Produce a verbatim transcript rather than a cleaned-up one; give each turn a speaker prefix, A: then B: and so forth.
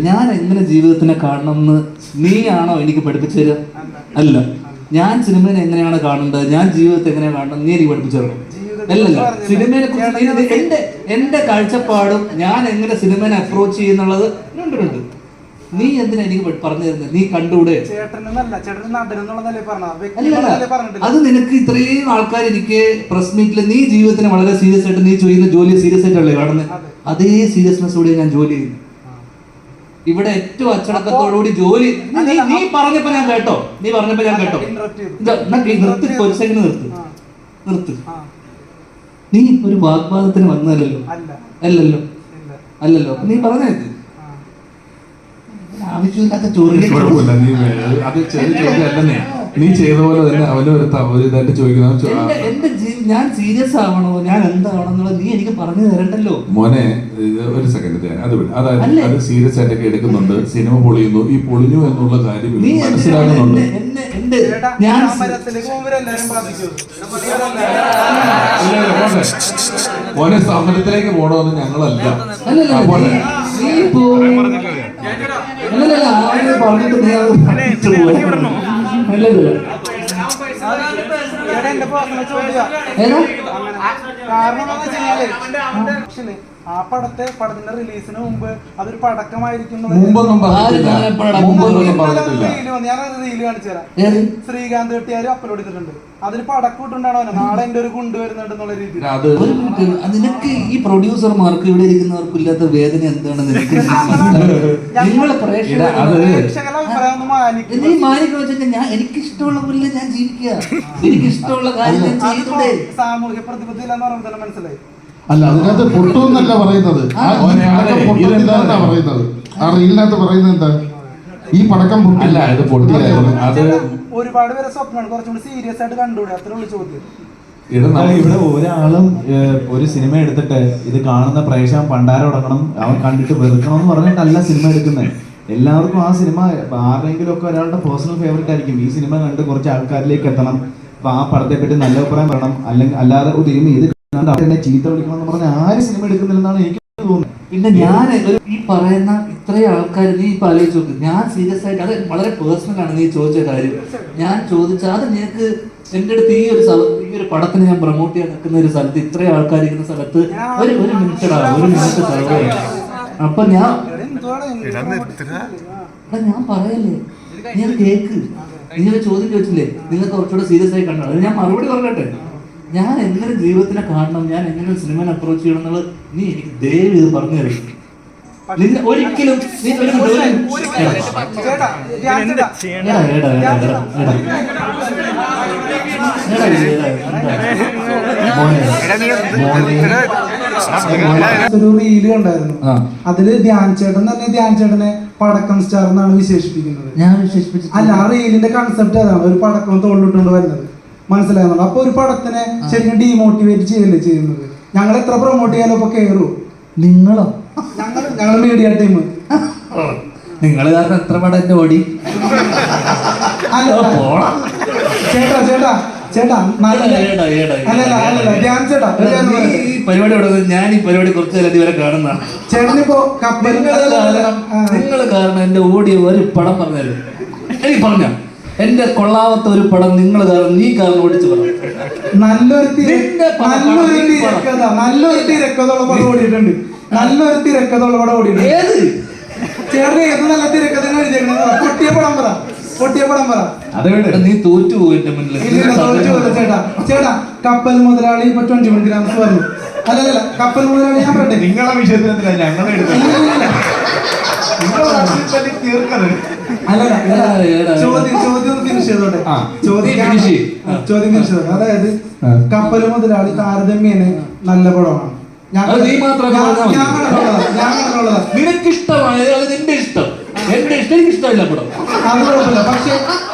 A: ഞാൻ എങ്ങനെ ജീവിതത്തിനെ കാണണമെന്ന് നീയാണോ എനിക്ക് പഠിപ്പിച്ചു തരിക? അല്ല. ഞാൻ സിനിമയെ എങ്ങനെയാണ് കാണേണ്ടത്, ഞാൻ ജീവിതത്തെ എങ്ങനെയാണ് കാണുന്നത് നീ എനിക്ക് പഠിപ്പിച്ചു തരണം. അല്ലല്ല, സിനിമയെ കുറിച്ച് എന്റെ എന്റെ കാഴ്ചപ്പാടും ഞാൻ എങ്ങനെ സിനിമയെ അപ്രോച്ച് ചെയ്യുന്നുള്ളത് ഉണ്ട്. നീ എന്തിനാ എനിക്ക് പറഞ്ഞു തരുന്നത്? നീ കണ്ടൂടെ? അത് നിനക്ക് ഇത്രയും ആൾക്കാർ എനിക്ക് പ്രസ് മീറ്റിൽ നീ ജീവിതത്തിന് വളരെ സീരിയസ് ആയിട്ട് നീ ചെയ്യുന്ന ജോലി സീരിയസ് ആയിട്ടല്ലേ കാണുന്നത്? അതേ സീരിയസ്നെസ്സോടെ ഞാൻ ജോലി ചെയ്യുന്നു. ഇവിടെ ഏറ്റവും അച്ചടക്കത്തോടുകൂടി ജോലി. നീ നീ പറഞ്ഞപ്പോ ഞാൻ കേട്ടോ, നീ പറഞ്ഞപ്പോ ഞാൻ കേട്ടോ. നിർത്തി, ഒരു സെക്കൻഡ് നിർത്ത് നിർത്ത്. നീ ഒരു വാഗ്വാദത്തിന് വന്നതല്ലോ? അല്ലല്ലോ അല്ലല്ലോ. നീ പറഞ്ഞത് ആവശ്യമില്ലാത്ത ചോദ്യം.
B: അത് ചെറിയ ചോദ്യം അല്ലെന്നേ. നീ ചെയ്ത പോലെ തന്നെ അവനും ഒരു ഇതായിട്ട് ചോദിക്കുന്നത്.
A: എന്റെ ഞാൻ സീരിയസ് ആവണോ, ഞാൻ എന്താവണമെന്നുള്ളത് നീ എനിക്ക് പറഞ്ഞു തരണ്ടല്ലോ.
B: മോനെ ഒരു സെക്കൻഡ്, അത് അതായത് അത് സീരിയസ് ആയിട്ടൊക്കെ എടുക്കുന്നുണ്ട്. സിനിമ പൊളിയുന്നു, ഈ പൊളിഞ്ഞു എന്നുള്ള കാര്യം മനസ്സിലാക്കുന്നുണ്ട്.
A: ഞാൻ
B: മോനെ സമരത്തിലേക്ക് പോകണമെന്ന് ഞങ്ങളല്ല.
A: പറഞ്ഞിട്ട് നീ അത് പറഞ്ഞിട്ട് പോയി.
C: ആ പടത്തെ പടത്തിന്റെ റിലീസിന് മുമ്പ് അതൊരു പടക്കമായിരിക്കും. ഞാനത് റീല് കാണിച്ചു തരാം. ശ്രീകാന്ത് കെട്ടിയാരും അപ്ലോഡ് ചെയ്തിട്ടുണ്ട്. അതിൽ പടക്കം ഇട്ടുണ്ടാണോ നാളെ എന്റെ ഒരു കൊണ്ട് വരുന്നുണ്ട് എന്നുള്ള രീതിയിൽ.
A: നിനക്ക് ഈ പ്രൊഡ്യൂസർമാർക്ക് ഇവിടെ ഇരിക്കുന്നവർക്കും ഇല്ലാത്ത വേദന എന്താണെന്ന് നിനക്ക് നിങ്ങളെ നീ മാനിക്കുന്ന വെച്ചാൽ ഞാൻ എനിക്കിഷ്ടമുള്ള പോലെ ഞാൻ ജീവിക്കുക, എനിക്കിഷ്ടമുള്ള കാര്യം ഞാൻ ചെയ്തൂടെ.
C: സാമൂഹ്യ പ്രതിബദ്ധത എന്ന് പറയുമ്പോൾ തന്നെ മനസ്സിലായി.
D: അല്ല, അതിനകത്ത് പൊട്ടുമെന്നല്ല പറയുന്നത്, പറയുന്നത് ആ റീലിനകത്ത് പറയുന്നത് എന്താ, ഈ പടക്കം പൊട്ടില്ല, ഇത് പൊട്ടിയായിരുന്നു.
B: അത്
C: ഒരുപാട് പേരെ സ്വപ്നമാണ് കുറച്ചുകൂടി സീരിയസ് ആയിട്ട് കണ്ടുകൂടെ, അത്ര ഉള്ള ചോദ്യം.
E: ഇവിടെ ഒരാളും ഒരു സിനിമ എടുത്തിട്ട് ഇത് കാണുന്ന പ്രേക്ഷകൻ പണ്ടാരം ഉടക്കണം, അവൻ കണ്ടിട്ട് വെറുക്കണം എന്ന് പറഞ്ഞിട്ടല്ല സിനിമ എടുക്കുന്നത്. എല്ലാവർക്കും ആ സിനിമ ആരെങ്കിലും ഒക്കെ ഒരാളുടെ പേഴ്സണൽ ഫേവറേറ്റ് ആയിരിക്കും. ഈ സിനിമ കണ്ട് കുറച്ച് ആൾക്കാരിലേക്ക് എത്തണം, അപ്പൊ ആ പടത്തെ പറ്റി നല്ല അഭിപ്രായം പറയണം. അല്ലെങ്കിൽ അല്ലാതെ ഒരു ഇത് എന്നെ ചീത്ത വിളിക്കണം എന്ന് പറഞ്ഞാൽ ആര് സിനിമ എടുക്കുന്നില്ലെന്നാണ് എനിക്ക് തോന്നുന്നത്.
A: പിന്നെ ഞാൻ ഈ പറയുന്ന ഇത്രയും ആൾക്കാർ നീ ഇപ്പൊ ആലോചിച്ച് നോക്ക്. ഞാൻ സീരിയസ് ആയിട്ട്, അത് വളരെ പേഴ്സണൽ ആണ് നീ ചോദിച്ച കാര്യം. ഞാൻ ചോദിച്ച അത് നിനക്ക് എന്റെ അടുത്ത് ഈ ഒരു ഈ ഒരു പടത്തിന് ഞാൻ പ്രൊമോട്ട് ചെയ്യാൻ നിൽക്കുന്ന ഒരു സ്ഥലത്ത് ഇത്രയും ആൾക്കാർ ഇരിക്കുന്ന സ്ഥലത്ത് ഒരു ഒരു മിനിറ്റടാ ഒരു മിനിറ്റ് സർവേ. അപ്പൊ ഞാൻ ഞാൻ പറയല്ലേ, നീ അത് കേക്ക്. നീ ഒരു ചോദ്യം ചോദിച്ചില്ലേ, നിങ്ങൾ കുറച്ചുകൂടെ സീരിയസ് ആയി കണ്ടോ? ഞാൻ മറുപടി പറഞ്ഞട്ടെ. ഞാൻ എങ്ങനെ ജീവിതത്തിനെ കാണണം, ഞാൻ എങ്ങനെ സിനിമനെ അപ്രോച്ച് ചെയ്യണം എന്നുള്ളത് നീ എനിക്ക് ദയവ് ഇത് പറഞ്ഞു തരും. നിന്നെ ഒരിക്കലും നീ
C: ഒരു റീല് കണ്ടായിരുന്നു. അതില് ധ്യാൻ ചേട്ടൻ തന്നെ ധ്യാൻ ചേട്ടനെ പടക്കം സ്റ്റാർ എന്നാണ് വിശേഷിപ്പിക്കുന്നത്.
A: ഞാൻ വിശേഷിപ്പിച്ചു
C: അല്ല, ആ റീലിന്റെ കൺസെപ്റ്റ് അതാണ്, ഒരു പടക്കം തോളിലിട്ടുകൊണ്ട് വരുന്നത്. മനസ്സിലാകുന്നുണ്ട്. അപ്പൊ ഒരു പടത്തിനെ ശരിക്കും ഡീമോട്ടിവേറ്റ് ചെയ്യല്ലേ ചെയ്യുന്നത്. ഞങ്ങൾ എത്ര പ്രൊമോട്ട് ചെയ്യാലോ ഇപ്പൊ കയറൂ.
A: നിങ്ങളോ?
C: ഞങ്ങൾ ഞങ്ങൾ മീഡിയ ടീം.
A: നിങ്ങൾ കാരണം എത്ര പടം എന്റെ ഓടി.
C: ചേട്ടാ ചേട്ടാ ചേട്ടാ
A: ഈ പരിപാടി ഞാൻ ഈ പരിപാടി കുറച്ചു നേരം ഇതുവരെ കാണുന്ന
C: ചേട്ടനിപ്പോ കപ്പൽ
A: നിങ്ങൾ കാരണം എന്റെ ഓടിയ ഒരു പടം പറഞ്ഞാലും എനിക്ക് പറഞ്ഞ എന്റെ കൊള്ളാവത്ത ഒരു പടം നിങ്ങൾ കാരണം നീ കാരണം ഓടിച്ചു പറഞ്ഞു.
C: നല്ലൊരു നല്ലൊരു തിരക്കഥ നല്ലൊരു തിരക്കഥയുള്ള പടം ഓടിയിട്ടുണ്ട്. നല്ലൊരു തിരക്കഥയുള്ള പടം ഓടിയിട്ടുണ്ട്.
A: ഏത്
C: ചേട്ടൻ ഏത് നല്ല തിരക്കഥ പൊട്ടിയ പടം പറ, പൊട്ടിയ പടം പറ.
A: നീ തോറ്റു പോയിട്ട് മുന്നിൽ
C: ചേട്ടാ ചേട്ടാ കപ്പൽ മുതലാളി ഇപ്പൊ ട്വന്റി വൺ ഗ്രാംസ് പറഞ്ഞു. അല്ലല്ല, കപ്പൽ മുതലാളി ഞാൻ പറയട്ടെ,
E: നിങ്ങളെ വിഷയത്തിൽ ഞങ്ങളെ
C: ചോദ്യം ചോദ്യം ഫിനിഷ് ചെയ്തോട്ടെ. ചോദ്യം ചോദ്യം ഫിനിഷ് ചെയ്തോട്ടെ. അതായത് കപ്പൽ മുതലാളി താരതമ്യേന നല്ല പടമാണ്.
A: നിനക്ക് ഇഷ്ടമായ നിന്റെ ഇഷ്ടം, എന്റെ ഇഷ്ടം എനിക്ക് ഇഷ്ടമില്ല പടം.
C: അത് കുഴപ്പമില്ല. പക്ഷെ